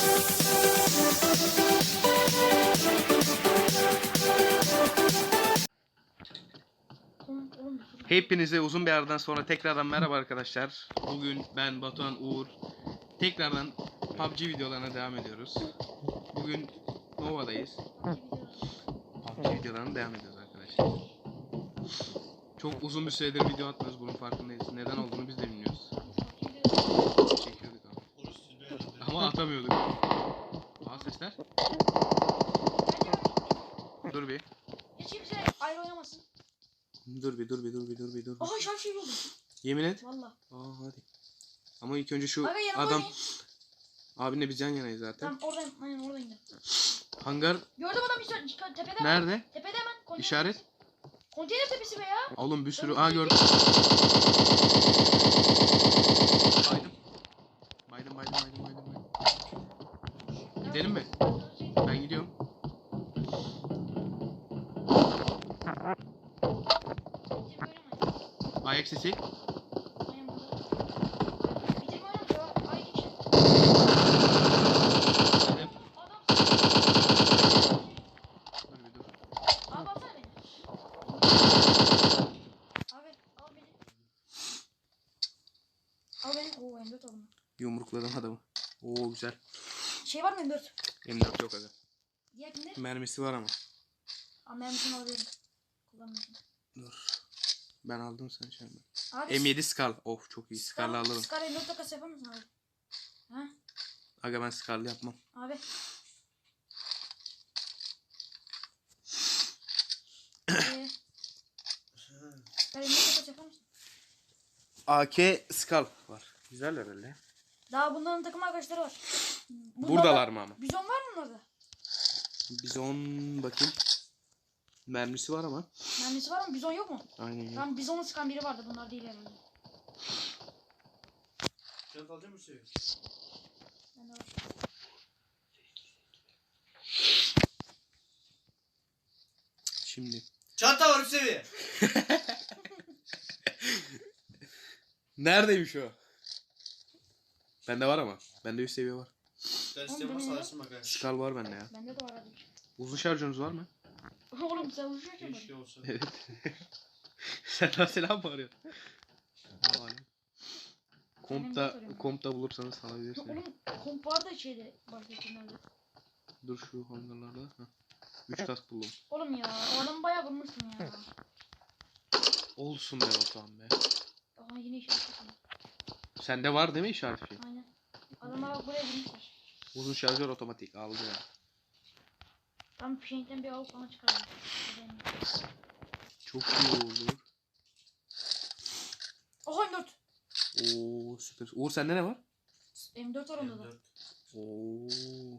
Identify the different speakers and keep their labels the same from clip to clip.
Speaker 1: Hepinize uzun bir aradan sonra tekrardan merhaba arkadaşlar. Bugün ben, Batuhan, Uğur tekrardan PUBG videolarına devam ediyoruz. Bugün Nova'dayız. PUBG videolarına devam ediyoruz arkadaşlar. Çok uzun bir süredir video atmıyoruz, bunun farkındayız. Neden olduğunu biz de bilmiyoruz. Çekiyorduk ama atamıyorduk. Aa, sesler. Dur bir.
Speaker 2: Hiç kimse ayrı oynamasın.
Speaker 1: Dur bir.
Speaker 2: Aha şarj şey oldu.
Speaker 1: Yemin et.
Speaker 2: Valla.
Speaker 1: Aa, hadi. Ama ilk önce şu
Speaker 2: Aga,
Speaker 1: adam... Abinle biz yan yanayız zaten.
Speaker 2: Tamam oradayım. Aynen oradayım da.
Speaker 1: Hangar
Speaker 2: Gördüm adam işte tepede.
Speaker 1: nerede?
Speaker 2: Tepede hemen. Konteyner
Speaker 1: İşaret.
Speaker 2: tepesi. Konteyner tepesi be ya.
Speaker 1: Oğlum bir sürü... Aa, gördüm. Baydım. Gidelim mi? Ben gidiyorum. Ayak sesi. Yumrukladım adamı. Oo, güzel.
Speaker 2: Şey var mı M4?
Speaker 1: M4 yok aga.
Speaker 2: Diğer kimde?
Speaker 1: Mermisi var ama.
Speaker 2: Ama mermisini alabilirim. Kullanmışım.
Speaker 1: Dur. Ben aldım, sen şey yapma.
Speaker 2: Abi,
Speaker 1: M7 Skal. Of, çok iyi. Skal'la alırım.
Speaker 2: Scar M4 takası yapar mısın abi? Ha?
Speaker 1: Aga, ben Skal'la yapmam.
Speaker 2: Abi. Scar M4 takası yapar mısın?
Speaker 1: AK Skal var. Güzel herhalde.
Speaker 2: Daha bunların takım arkadaşları var.
Speaker 1: Buradalar mı ama?
Speaker 2: Bizon var mı bunlarda?
Speaker 1: Bizon bakayım. Mermisi var ama.
Speaker 2: Mermisi var mı? Bizon yok mu?
Speaker 1: Aynen ya.
Speaker 2: Tamam, bizonu sıkan biri vardı. Bunlar değil herhalde.
Speaker 3: Çant alacak mısın?
Speaker 2: Ben de var.
Speaker 1: Şimdi.
Speaker 3: Çanta var bir seviye.
Speaker 1: Neredeymiş o? Bende var ama. Bende üst seviye var.
Speaker 3: Sen sistemi nasıl alırsın bak.
Speaker 1: Skal var bende ya.
Speaker 2: Bende de var abi.
Speaker 1: Uzun şarjörünüz var mı?
Speaker 2: Oğlum sen uçuyorsun
Speaker 3: Keşke
Speaker 2: bana.
Speaker 3: olsa.
Speaker 1: Evet. Sen daha selam mı arıyorsun? Kompta bulursanız alabilirsiniz.
Speaker 2: Oğlum komp var da şeyde baştakilerde.
Speaker 1: Dur şu hangarlarda. 3 kask buldum.
Speaker 2: Oğlum ya o adamı bayağı vurmuşsun ya.
Speaker 1: Olsun be Batuhan be.
Speaker 2: Aha yine işaret yapalım.
Speaker 1: Sende var değil mi işaret şey?
Speaker 2: Aynen. Adamlar bak buraya girmişler.
Speaker 1: Uzun şarjör otomatik aldı ya.
Speaker 2: Tam fişenkten bir avuk bana çıkardım.
Speaker 1: Çok iyi olur.
Speaker 2: Oha M4.
Speaker 1: Oo, süper. Uğur, sende ne var?
Speaker 2: M4 var onda da.
Speaker 1: Oo.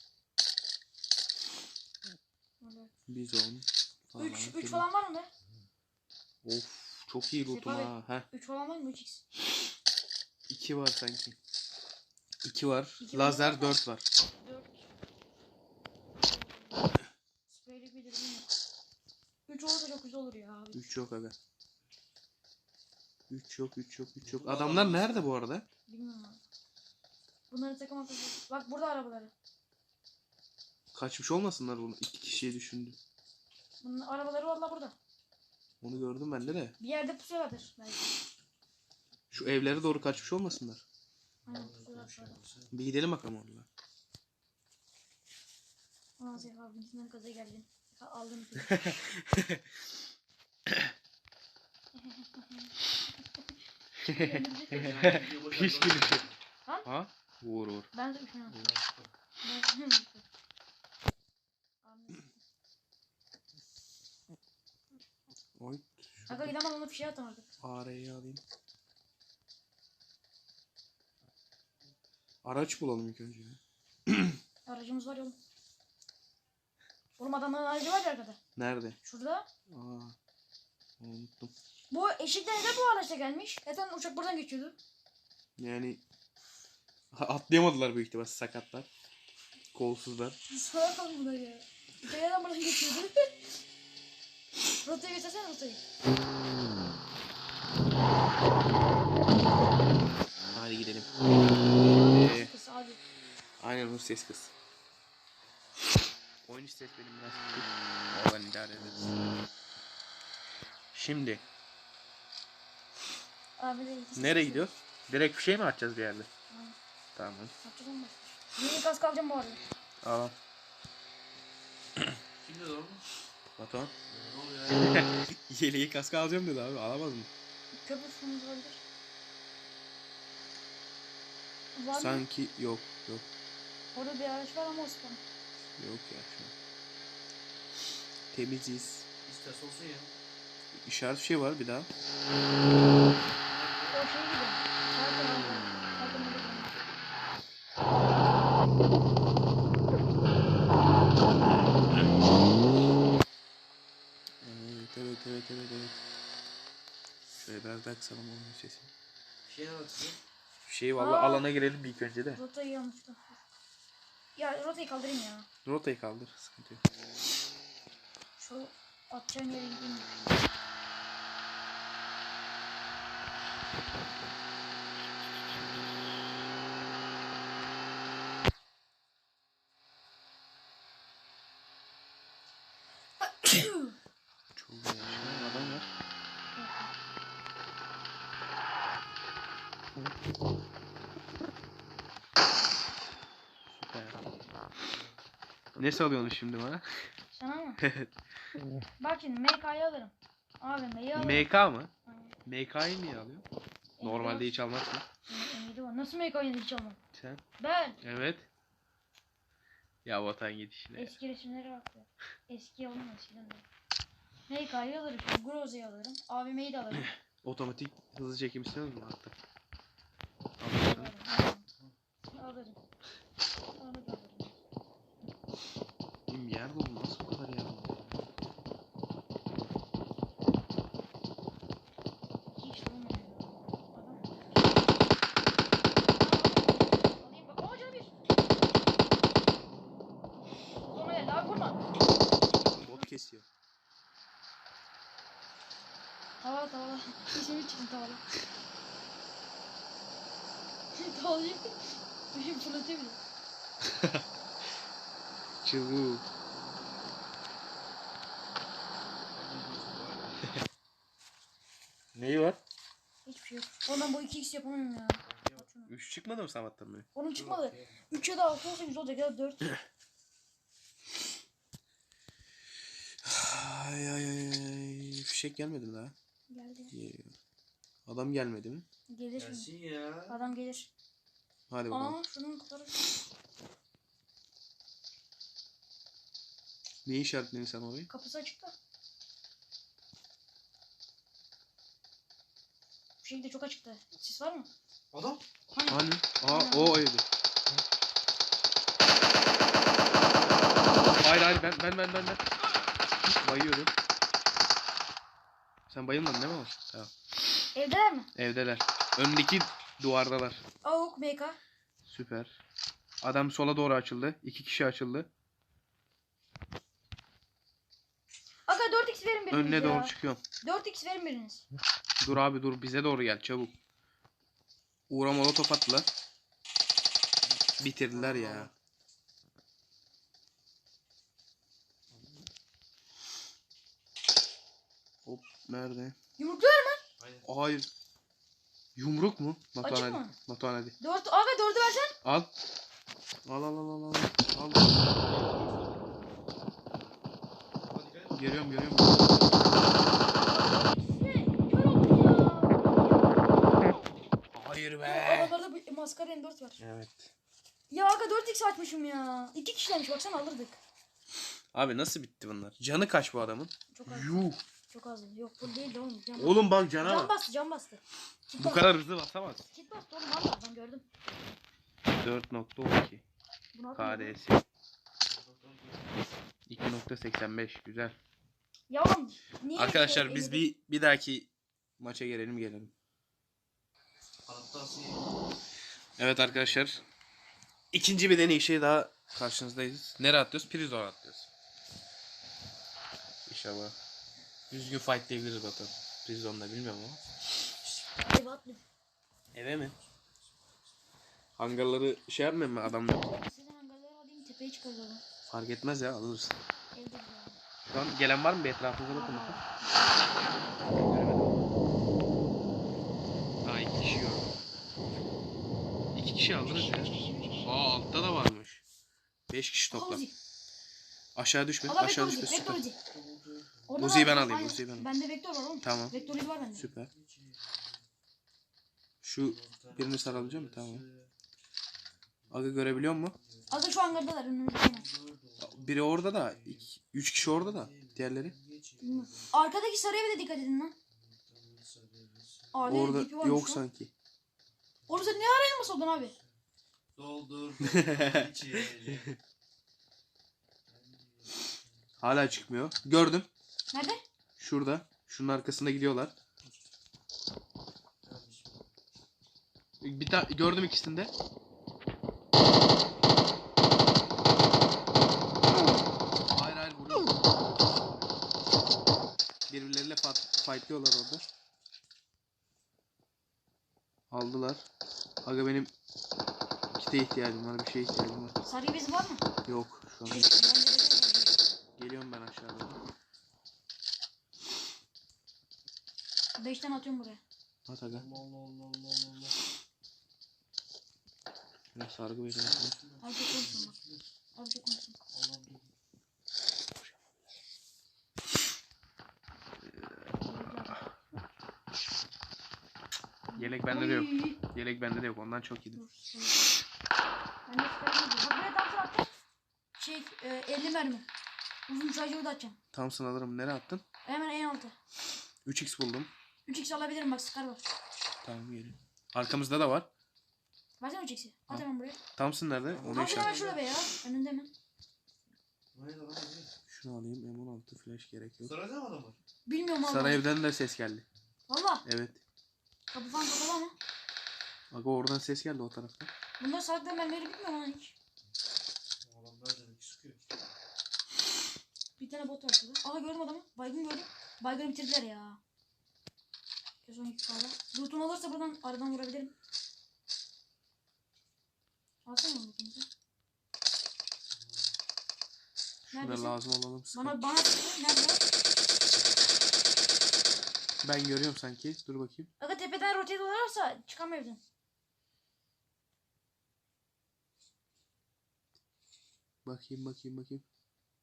Speaker 1: Bizon falan.
Speaker 2: 3 falan var mı be?
Speaker 1: Of, çok iyi lootum ha. Heh.
Speaker 2: 3 falan var mı? 3x.
Speaker 1: 2 var sanki. 2 var.
Speaker 2: İki
Speaker 1: Lazer
Speaker 2: var.
Speaker 1: 4 var.
Speaker 2: 4. Spreylik bir dürbün yok. 3 olursa çok güzel olur ya abi.
Speaker 1: 3 yok aga. 3 yok. Adamlar nerede bu arada?
Speaker 2: Bilmiyorum abi. Bunları takım atacağız. Bak burada arabaları.
Speaker 1: Kaçmış olmasınlar bunu. 2 kişiye düşündüm.
Speaker 2: Bunun arabaları valla burada.
Speaker 1: Onu gördüm bende de.
Speaker 2: Bir yerde pusuyorlardır belki.
Speaker 1: Şu evlere doğru kaçmış olmasınlar.
Speaker 2: Aynen pusuyorlar.
Speaker 1: Bir gidelim bakalım orada.
Speaker 2: Ulan Seyf abi içinden kaza geldin. Aldım.
Speaker 1: Piş gibi.
Speaker 2: Ha?
Speaker 1: Ha? Vur.
Speaker 2: Ben de üşüyorum.
Speaker 1: Oy.
Speaker 2: Aga gidemem, ona bir şey atam artık.
Speaker 1: AR'yi alayım. Araç bulalım ilk önce.
Speaker 2: Aracımız var ya oğlum. Oğlum adamların aracı var ya arkada.
Speaker 1: Nerede?
Speaker 2: Şurada.
Speaker 1: Aa. Unuttum.
Speaker 2: Bu eşikten neden bu araçta gelmiş? Zaten uçak buradan geçiyordu.
Speaker 1: Yani atlayamadılar büyük ihtimal, sakatlar. Kolsuzlar.
Speaker 2: Sonra kalın bunlar ya. Neden buradan geçiyordu? Rotayı göstersene rotayı.
Speaker 1: Hadi gidelim.
Speaker 2: Abi.
Speaker 1: Aynen o ses kız. Oyun iş ses benim biraz küçük. Oradan idare ederiz. Şimdi
Speaker 2: Abi de ikisi.
Speaker 1: nereye gidiyor? Direkt bir şey mi atacağız bir yerde?
Speaker 2: Aynen.
Speaker 1: Tamam.
Speaker 2: Yapacağız onu başka. Yeni kask alacağım bu arada.
Speaker 1: Al.
Speaker 3: Kim dedi oğlum?
Speaker 1: Batuhan.
Speaker 3: Ne oluyor ya?
Speaker 1: Yeleği kaskı alacağım dedi abi. Alamaz mı?
Speaker 2: Köprü sunumuz olabilir. Var mı?
Speaker 1: Sanki yok.
Speaker 2: Orada bir araç var ama o spam.
Speaker 1: Yok ya şu an. Temiziz.
Speaker 3: İsterse olsun ya.
Speaker 1: İşaret bir şey var bir daha.
Speaker 2: O şey gibi. Zaten orada. Zaten orada.
Speaker 1: Evet. Şöyle biraz daha kısalım onun sesini.
Speaker 3: Bir şey anlatıyor.
Speaker 1: Şey vallahi
Speaker 2: Aa.
Speaker 1: alana girelim ilk önce de.
Speaker 2: Rotayı yanlıştım. Ya rotayı kaldırayım ya.
Speaker 1: Rotayı kaldır. Sıkıntı yok.
Speaker 2: Şu atacağın yere gideyim.
Speaker 1: Çok güzel. Şimdi adam var. Süper. Ne salıyorsun şimdi bana?
Speaker 2: Sana mı? Bak şimdi MK'yı alırım. AVM'yi alırım.
Speaker 1: MK mı?
Speaker 2: Aynen.
Speaker 1: MK'yı niye alıyor? Normalde hiç almazsın.
Speaker 2: M7 var. Nasıl MK'yı hiç almam?
Speaker 1: Sen?
Speaker 2: Ben.
Speaker 1: Evet. Ya vatan gidişine.
Speaker 2: Eski resimlere bak ya. Eski alın eskiden de. MK'yı alırım. Groze'yi alırım. AVM'yi de alırım.
Speaker 1: Otomatik hızlı çekim istiyoruz mu artık?
Speaker 2: Alırım. Alırım. Onu da alırım.
Speaker 1: Benim yer dolu nasıl bu kadar yer dolu?
Speaker 2: Hiç olmuyor ya. Adam. Alayım bak. Oo canım bir. Sonra gel. Daha vurma.
Speaker 1: Bot kesiyor.
Speaker 2: Tavala. İsmimi çıktım tavala. Tavalayım. Benim fırlatıyor bile.
Speaker 1: Çığlık. Neyi var?
Speaker 2: Hiçbir şey yok. Oğlum ben bu 2x yapamıyorum ya. Bak şunu.
Speaker 1: 3 çıkmadı mı sabahtan beri?
Speaker 2: Onun çıkmadı. 3 ya da 6 olsa güzel olacak ya da 4.
Speaker 1: Ay. Fişek gelmedi mi daha?
Speaker 2: Geldi.
Speaker 1: Adam gelmedi mi?
Speaker 2: Gelir şimdi.
Speaker 3: Gelsin ya.
Speaker 2: Adam gelir.
Speaker 1: Hadi bakalım.
Speaker 2: Aa şunun kutuları.
Speaker 1: Ne işaretledin sen orayı?
Speaker 2: Kapısı açık da. Bu şekilde çok açıktı. Sis var mı?
Speaker 3: Adam.
Speaker 1: Hani? Aa o evde. Hayır ben. Bayıyorum. Sen bayılmadın değil mi? Tamam.
Speaker 2: Evdeler mi?
Speaker 1: Evdeler. Öndeki duvardalar.
Speaker 2: Avuk MK.
Speaker 1: Süper. Adam sola doğru açıldı. 2 kişi açıldı.
Speaker 2: Aga 4x verin biriniz
Speaker 1: Önüne
Speaker 2: ya.
Speaker 1: doğru çıkıyorum.
Speaker 2: 4x verin biriniz.
Speaker 1: Dur abi dur bize doğru gel çabuk. Uğra molotof attılar. Bitirdiler ya. Hop nerede?
Speaker 2: Yumrukluyor mu?
Speaker 3: Aynen.
Speaker 1: Hayır. Yumruk mu?
Speaker 2: Açık
Speaker 1: Batuhan hadi.
Speaker 2: mı?
Speaker 1: Batuhan hadi.
Speaker 2: 4. Aga 4'ü versen.
Speaker 1: Al. Al.
Speaker 3: Hadi dikkat et.
Speaker 1: Görüyorum.
Speaker 2: Ne? Kör oldum ya.
Speaker 1: Hayır
Speaker 2: Adamlarda bu maskara M4 var.
Speaker 1: Evet.
Speaker 2: Ya aga 4x açmışım ya. 2 kişilermiş baksana alırdık.
Speaker 1: Abi nasıl bitti bunlar? Canı kaç bu adamın?
Speaker 2: Çok az.
Speaker 1: Yuh.
Speaker 2: Çok azdı. Yok bu değil de oğlum. Can
Speaker 1: Oğlum bak cana
Speaker 2: Can
Speaker 1: bak.
Speaker 2: bastı can bastı. Kit
Speaker 1: Bu
Speaker 2: bastı.
Speaker 1: kadar hızlı basamaz.
Speaker 2: Kit bastı oğlum valla ben gördüm.
Speaker 1: 4.12
Speaker 2: Bunu atmıyor.
Speaker 1: KD'si. 2.85 güzel.
Speaker 2: Ya oğlum niye?
Speaker 1: Arkadaşlar biz bir dahaki maça gelelim.
Speaker 3: Adaptasyon.
Speaker 1: Evet arkadaşlar. İkinci bir deney şey daha karşınızdayız. Nereye atlıyoruz? Prizora atlıyoruz. İnşallah. Düzgün fight diyebiliriz bakalım. Prizon'da bilmiyorum ama.
Speaker 2: Eve atlı.
Speaker 1: Eve mi? Hangarları şey yapmayayım mı adam yok.
Speaker 2: Sizin hangarları alayım tepeye çıkaralım.
Speaker 1: Fark etmez ya alırız.
Speaker 2: Evde güzel.
Speaker 1: Şu an gelen var mı bir etrafımıza bakın.
Speaker 2: Var, var.
Speaker 1: Göremedim. Aa 2 kişi gördüm. 2 kişi alırız ya. Aa altta da varmış. 5 kişi toplam.
Speaker 2: Uzi.
Speaker 1: Aşağı düşme.
Speaker 2: Allah
Speaker 1: Aşağı
Speaker 2: vektör
Speaker 1: düşme.
Speaker 2: Uzi. Vektör
Speaker 1: Süper.
Speaker 2: Uzi. Orada
Speaker 1: Uzi'yi
Speaker 2: var.
Speaker 1: ben alayım,
Speaker 2: Aynen.
Speaker 1: Uzi'yi ben alayım.
Speaker 2: Bende vektör var oğlum.
Speaker 1: Tamam.
Speaker 2: Vektör Uzi var bende.
Speaker 1: Süper. Şu birini sarabileceğim mi? Tamam. Aga görebiliyor musun?
Speaker 2: Azı şu hangardalar önümüzde. Aynen.
Speaker 1: Biri orada da. 3 kişi orada da. Diğerleri.
Speaker 2: Bilmiyorum. Arkadaki sarı eve de dikkat edin lan. Aa, ne
Speaker 1: Orada
Speaker 2: tipi varmış
Speaker 1: yok
Speaker 2: lan.
Speaker 1: sanki.
Speaker 2: Oğlum sen ne araya mı soldun abi?
Speaker 3: Doldur.
Speaker 1: Hala çıkmıyor. Gördüm.
Speaker 2: Nerede?
Speaker 1: Şurada. Şunun arkasında gidiyorlar. Bir tane gördüm ikisinde. Hayır hayır vuruyor. Birbirleriyle fightlıyorlar orada. Aldılar. Aga benim kite ihtiyacım var, bir şeye ihtiyacım var.
Speaker 2: Sarı bez var mı?
Speaker 1: Yok şu an.
Speaker 2: Bence de
Speaker 1: Geliyorum ben aşağıda.
Speaker 2: 5 tane atıyorum buraya.
Speaker 1: At aga. Biraz sargı verin.
Speaker 2: Abi çok konuşma bak. Abi çok konuşma.
Speaker 1: Yelek bende de yok.
Speaker 2: Oy.
Speaker 1: Yelek bende de yok. Ondan çok yedim.
Speaker 2: Dur, şöyle. Ben de çıkarayım. Bak buraya tam sıra atacağım. 50 mermi. Uzun şarjörü de atacağım.
Speaker 1: Thompson alırım. Nereye attın?
Speaker 2: Hemen en altı.
Speaker 1: 3x buldum.
Speaker 2: 3x alabilirim bak Scar var.
Speaker 1: Tamam geliyorum. Arkamızda da var.
Speaker 2: Versene 3x'i. At
Speaker 1: Tamam.
Speaker 2: hemen buraya.
Speaker 1: Thompson nerede? Onu
Speaker 2: Tam hemen
Speaker 1: işaret.
Speaker 2: şurada be ya. Önünde mi?
Speaker 1: Şunu alayım. M16 flash gerek yok.
Speaker 3: Sarayda mı adam var?
Speaker 2: Bilmiyorum valla.
Speaker 1: Sarayev'den de ses geldi.
Speaker 2: Valla.
Speaker 1: Evet.
Speaker 2: Kapı falan kapalı ama.
Speaker 1: Aga oradan ses geldi o taraftan.
Speaker 2: Bunlar salaklar mermileri bitmiyor lan hiç.
Speaker 3: Adam nereden iki sıkıyor?
Speaker 2: Bir tane bot var şurada. Aha gördüm adamı. Baygın gördüm. Baygını bitirdiler ya. Göz 12 kaldı. Loot'un olursa buradan aradan vurabilirim. Alsana mı loot'umuzu?
Speaker 1: Şurada
Speaker 2: Neredesin?
Speaker 1: lazım olalım.
Speaker 2: Bana sıkı. Nerede?
Speaker 1: Ben görüyorum sanki. Dur bakayım.
Speaker 2: Aga tepeden rotate olursa çıkamam evden.
Speaker 1: Bakayım.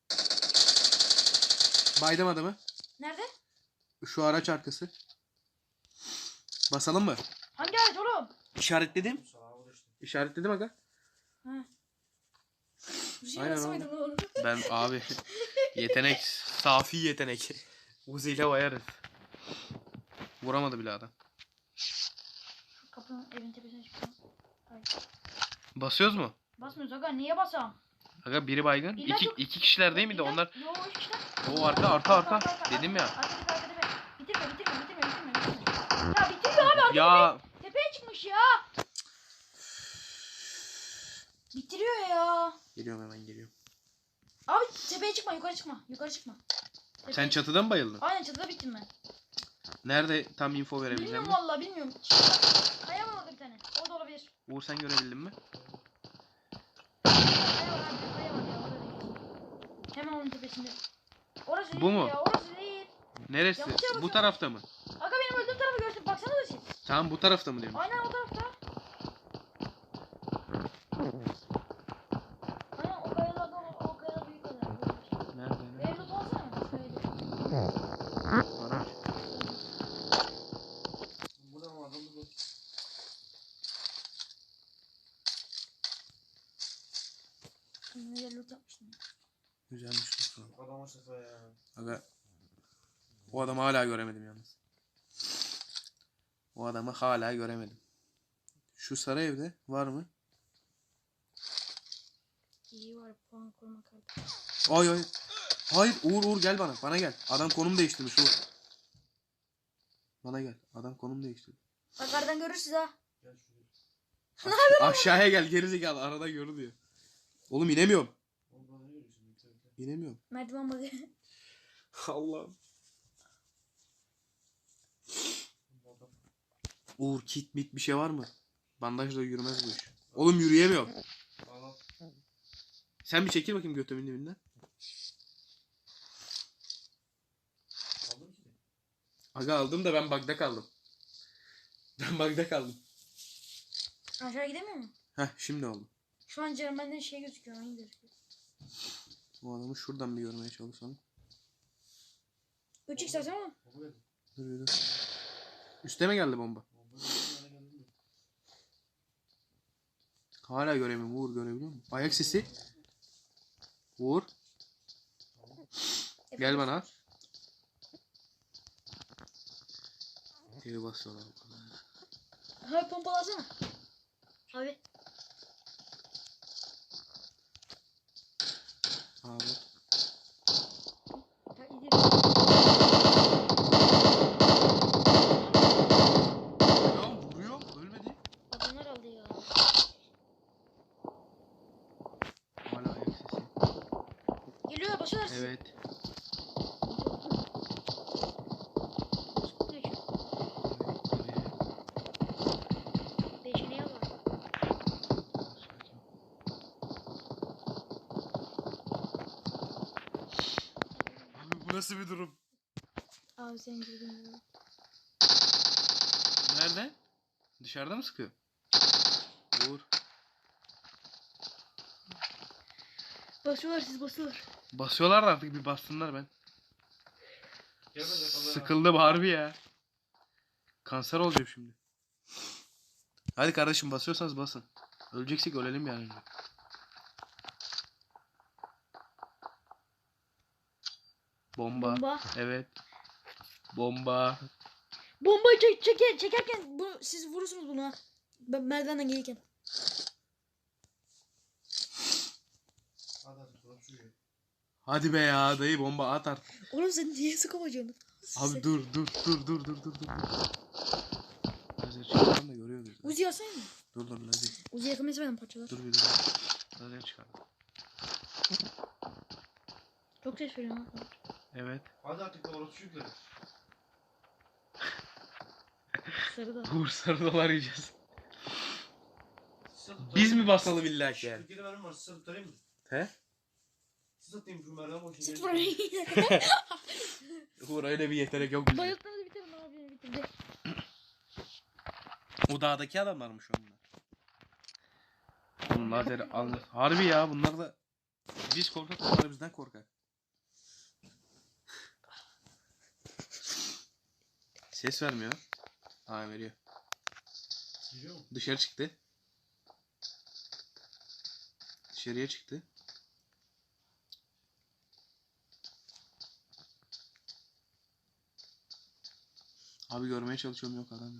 Speaker 1: Baydım adamı.
Speaker 2: Nerede?
Speaker 1: Şu araç arkası. Basalım mı?
Speaker 2: Hangi araç oğlum?
Speaker 1: İşaretledim.
Speaker 3: Sağa vur işte.
Speaker 1: İşaretledim aga.
Speaker 2: Ha. Bu şey
Speaker 1: Aynen
Speaker 2: nasıl
Speaker 1: oğlum.
Speaker 2: mıydı oğlum?
Speaker 1: Ben abi yetenek, safi yetenek. Uzi ile bayarız. Vuramadı bile adam.
Speaker 2: Şu kapının evin tepesine çıktım. Hayır.
Speaker 1: Basıyoruz mu?
Speaker 2: Basmıyoruz aga niye basam?
Speaker 1: Aga biri baygın.
Speaker 2: İlla çok-
Speaker 1: İki kişiler değil miydi? Onlar
Speaker 2: Yo işte.
Speaker 1: o arka. Dedim ya.
Speaker 2: Arkada. Bitirme. Ya bitiriyor abi
Speaker 1: Ya
Speaker 2: tepeye çıkmış ya. Bitiriyor ya.
Speaker 1: geliyorum hemen geliyorum.
Speaker 2: Abi tepeye çıkma yukarı çıkma.
Speaker 1: Sen çatıda mı bayıldın?
Speaker 2: Aynen çatıda bittim ben.
Speaker 1: Nerede tam info verebileceğim
Speaker 2: Bilmiyorum
Speaker 1: mi?
Speaker 2: vallahi bilmiyorum. Kaya var orada bir tane. Orada olabilir.
Speaker 1: Uğur sen görebildin mi?
Speaker 2: Kaya var abi. Kaya var ya. Orada değil. Hemen onun tepesinde. Orası
Speaker 1: Bu
Speaker 2: değil
Speaker 1: mu?
Speaker 2: ya. Orası değil.
Speaker 1: Neresi?
Speaker 2: Yanlış yapmışsın.
Speaker 1: Bu tarafta mı?
Speaker 2: Aga benim öldüğüm tarafı görsün. Baksana da siz.
Speaker 1: Tamam bu tarafta mı diyorum?
Speaker 2: Aynen o tarafta. Aynen o kayalarda o kayada büyük kayalar.
Speaker 1: Nerede?
Speaker 2: Benim loot alsana. Şöyle.
Speaker 1: Araç.
Speaker 3: Bu ne adam bu?
Speaker 2: Şimdi güzel loot yapmıştım.
Speaker 1: Güzelmiş bu falan.
Speaker 3: Adama sefa ya.
Speaker 1: Aga o adamı hala göremedim yalnız. O adamı hala göremedim. Şu sarı evde var mı?
Speaker 2: İyi var puan koruma kartı.
Speaker 1: Ay. Hayır Uğur gel bana. Bana gel. Adam konum değiştirmiş Uğur. Bana gel. Adam konum değiştirdi.
Speaker 2: Bak aradan görürsünüz ha.
Speaker 3: Gel şuraya.
Speaker 1: Aşağıya gel gerizekalı. Arada gör diyor. Oğlum inemiyorum.
Speaker 3: Oğlum bana ne yürüyorsun?
Speaker 1: İnemiyorum.
Speaker 2: Merdiven bakıyor.
Speaker 1: Allah'ım.
Speaker 3: Bu adam.
Speaker 1: Uğur kit mit bir şey var mı? Bandajla yürümez bu iş. Oğlum yürüyemiyorum.
Speaker 3: Al.
Speaker 1: Sen bir çekil bakayım götümün dibinden.
Speaker 3: Aldım ki.
Speaker 1: Aga aldım da ben bug'da kaldım. Ben bug'da kaldım.
Speaker 2: Aşağı gidemiyor mu?
Speaker 1: Heh şimdi oldu.
Speaker 2: Şu an canım benden şey gözüküyor. Hangi gözüküyor?
Speaker 1: Bu adamı şuradan bir görmeye çalışalım.
Speaker 2: 3x atsana ama.
Speaker 3: Bomba geldi.
Speaker 1: Dur. Üste mi geldi bomba?
Speaker 3: Bomba geldi. Bana geldi.
Speaker 1: Hala göremiyorum. Uğur görebiliyor musun? Ayak sesi. Uğur. Gel bana. Evi basıyorlar.
Speaker 2: Abi pompalasana. Abi.
Speaker 1: Abi.
Speaker 2: Ya ileri.
Speaker 1: Ya vuruyor. Ölmedi.
Speaker 2: Adamlar aldı ya.
Speaker 1: Hala ayak sesi.
Speaker 2: Geliyor basıyorlar sizi.
Speaker 1: Evet.
Speaker 2: Beşineye var.
Speaker 1: Abi bu nasıl bir durum?
Speaker 2: Abi senin girdiğin gibi.
Speaker 1: Nerede? Dışarıda mı sıkıyor? Uğur.
Speaker 2: Basıyorlar siz basıyorlar.
Speaker 1: Basıyorlar da artık bir bassınlar ben.
Speaker 3: Gelmez yakalar.
Speaker 1: Sıkıldım harbi ya. Kanser olacağım şimdi. Hadi kardeşim basıyorsanız basın. Öleceksek ölelim yani. Bomba.
Speaker 2: Bomba.
Speaker 1: Evet. Bomba.
Speaker 2: Bombayı çekerken bu siz vurursunuz bunu ha. Ben merdivenden gelirken.
Speaker 3: Hadi hadi bırak şuraya.
Speaker 1: Hadi be ya dayı bomba at artık.
Speaker 2: Oğlum sen niye sıkamayacaksın?
Speaker 1: Abi dur. Lazer çıkardım da görüyoruz.
Speaker 2: Uzi yazsana mı?
Speaker 1: Dur lazer.
Speaker 2: Uzi yakınmaysa ben parçalar.
Speaker 1: Dur bir dur. Lazer çıkardım.
Speaker 2: Çok ses veriyorum ha.
Speaker 1: Evet.
Speaker 3: Hadi artık orası yükle.
Speaker 2: Sarı da.
Speaker 1: Uğur sarı dolar yiyeceğiz.
Speaker 3: Siz atıp
Speaker 1: Biz
Speaker 3: tarayayım
Speaker 1: mi
Speaker 3: mı?
Speaker 1: basalım illa ki yani?
Speaker 3: Türkiye'de benim var. Siz atıp tarayayım mı?
Speaker 1: He?
Speaker 3: Siz atayım şu merdiven boşuna.
Speaker 2: Sıt
Speaker 3: gelin.
Speaker 2: burayı.
Speaker 1: Uğur öyle bir yetenek yok bizde.
Speaker 2: Bayıltmanızı bitirin abi bitirdi.
Speaker 1: O dağdaki adamlar mı şu anlar? Oğlum lazeri almaz. Harbi ya bunlar da biz korkak onlar bizden korkak. Ses vermiyor. Ha veriyor.
Speaker 3: Giriyor mu?
Speaker 1: Dışarı çıktı. Dışarıya çıktı. Abi görmeye çalışıyorum yok adam yok.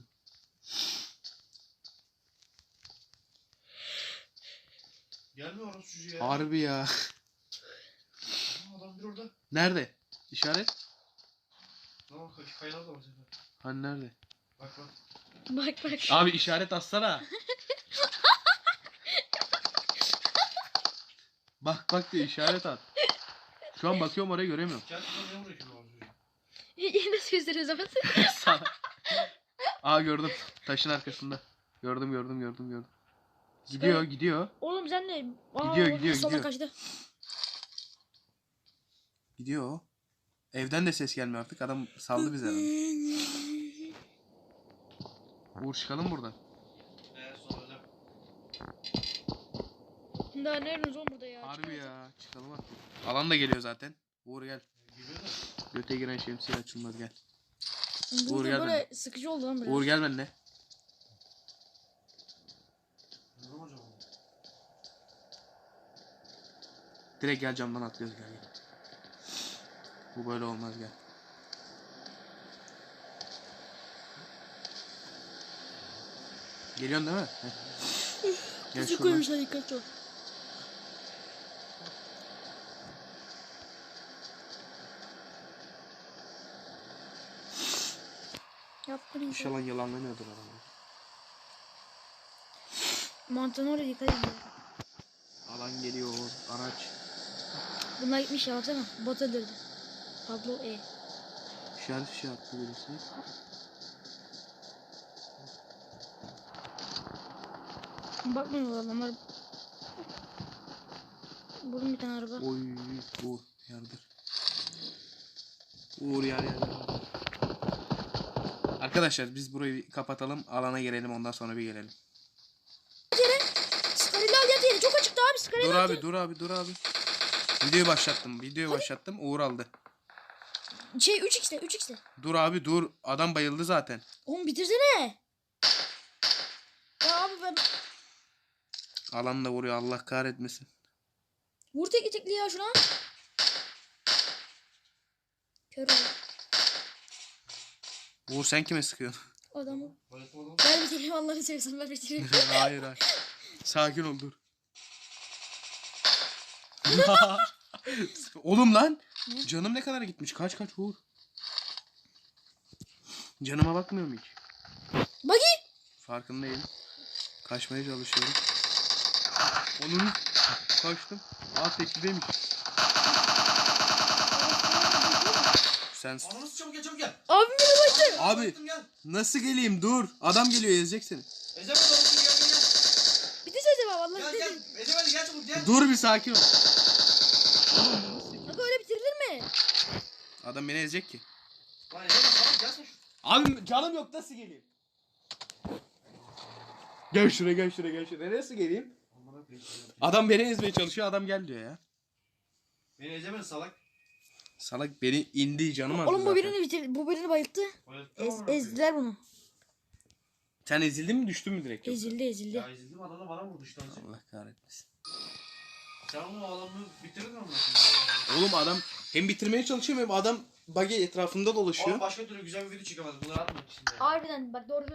Speaker 3: Gelmiyor orası çocuğu ya.
Speaker 1: Harbi ya.
Speaker 3: Aa, adam bir orada.
Speaker 1: Nerede? İşaret?
Speaker 3: Tamam kaynağı da var sefer.
Speaker 1: Hani nerede?
Speaker 3: Bak bak.
Speaker 2: Bak.
Speaker 1: Abi işaret atsana. Bak diyor işaret at. Şu an bakıyorum oraya göremiyorum.
Speaker 3: Gel kızım ne vuruyor şimdi orası çocuğu?
Speaker 2: Nasıl gösteriyoruz ama?
Speaker 1: Sana. Aa gördüm. Taşın arkasında. Gördüm. Gidiyor.
Speaker 2: Oğlum sen ne?
Speaker 1: Gidiyor.
Speaker 2: Kaçtı.
Speaker 1: Gidiyor o. Evden de ses gelmiyor artık. Adam saldı bizi herhalde. Uğur çıkalım buradan.
Speaker 3: Sonra öyle.
Speaker 2: Daha ne arıyorsunuz oğlum burada ya?
Speaker 1: Harbi ya. Çıkalım artık. Alan da geliyor zaten. Uğur gel.
Speaker 3: Giriyor da.
Speaker 1: Göte giren şemsiye açılmaz gel.
Speaker 2: Bu
Speaker 1: Uğur
Speaker 2: da
Speaker 1: gel
Speaker 2: böyle sıkıcı oldu lan biraz.
Speaker 1: Uğur gel benimle.
Speaker 3: Ne zaman acaba?
Speaker 1: Direkt gel camdan atlıyoruz gel. Bu böyle olmaz gel. Geliyorsun değil mi? Heh. Gel
Speaker 2: Kuzu
Speaker 1: şuradan.
Speaker 2: koymuşlar dikkatli ol. Yaptın inşallah.
Speaker 1: İnşallah yalanlanıyordur araba.
Speaker 2: Mantığına oraya dikkat edin.
Speaker 1: Alan geliyor. Araç.
Speaker 2: Bunlar gitmiş ya baksana. Bot öldürdü. Pablo E.
Speaker 1: İşaret fişi attı birisi.
Speaker 2: Bakmıyorlar adamlar. Buldum bir tane araba.
Speaker 1: Oy Uğur yardır. Uğur yar. Arkadaşlar biz burayı bir kapatalım. Alana girelim ondan sonra bir gelelim.
Speaker 2: Skarilla al yere. Çok açıktı abi Skarilla.
Speaker 1: Dur abi. Videoyu başlattım. Uğur aldı.
Speaker 2: 3x'te.
Speaker 1: Dur abi dur. Adam bayıldı zaten.
Speaker 2: Oğlum bitirsene. Ya abi ben...
Speaker 1: Alan da vuruyor Allah kahretmesin.
Speaker 2: Vur tekli ya şuna. Kör oldu.
Speaker 1: Uğur sen kime sıkıyorsun?
Speaker 2: Adamı.
Speaker 3: Bayıltma adamı.
Speaker 2: Ben bitireyim Allah'ını seversen ben bitireyim.
Speaker 1: hayır. Sakin ol dur. Oğlum lan.
Speaker 2: Ne?
Speaker 1: Canım ne kadar gitmiş? Kaç Uğur? Canıma bakmıyor mu hiç?
Speaker 2: Bagi.
Speaker 1: Farkındayım. Kaçmaya çalışıyorum. Onun kaçtım. Teklideymiş. Sen
Speaker 3: Ananı çabuk gel.
Speaker 2: Abim beni baktı.
Speaker 1: abi
Speaker 3: Bayılttım, gel.
Speaker 1: nasıl geleyim? Dur. Adam geliyor ezecek seni.
Speaker 3: Ezemez oğlum gel.
Speaker 2: Bitirse acaba vallahi
Speaker 3: Gel
Speaker 2: bitirdim.
Speaker 3: gel. Ezemez gel çabuk gel.
Speaker 1: Dur bir sakin ol.
Speaker 2: Bak öyle bitirilir mi?
Speaker 1: Adam beni ezecek ki.
Speaker 3: Lan ezemez tamam gel sen şu.
Speaker 1: Abi canım yok nasıl geleyim? Gel şuraya. Nasıl geleyim?
Speaker 3: Amına koyayım.
Speaker 1: Adam beni ezmeye çalışıyor. Adam gel diyor ya.
Speaker 3: Beni ezemez salak.
Speaker 1: Salak beni indi canım aldı
Speaker 2: Oğlum bu
Speaker 1: zaten.
Speaker 2: birini bitirdi. Bu birini bayılttı.
Speaker 3: Bayılttım amına koyayım.
Speaker 2: Ezdiler bunu.
Speaker 1: Sen ezildin mi düştün mü direkt? Yoksa?
Speaker 2: Ezildi.
Speaker 3: Ya ezildim adam da bana vurdu işte.
Speaker 1: Allah kahretmesin.
Speaker 3: Sen onu adamı bitirdin mi amına koyayım?
Speaker 1: Oğlum adam hem bitirmeye çalışıyor hem adam buggy etrafında dolaşıyor.
Speaker 3: Oğlum başka türlü güzel bir video çıkamadım. Bunları atmak için.
Speaker 2: Harbiden bak doğru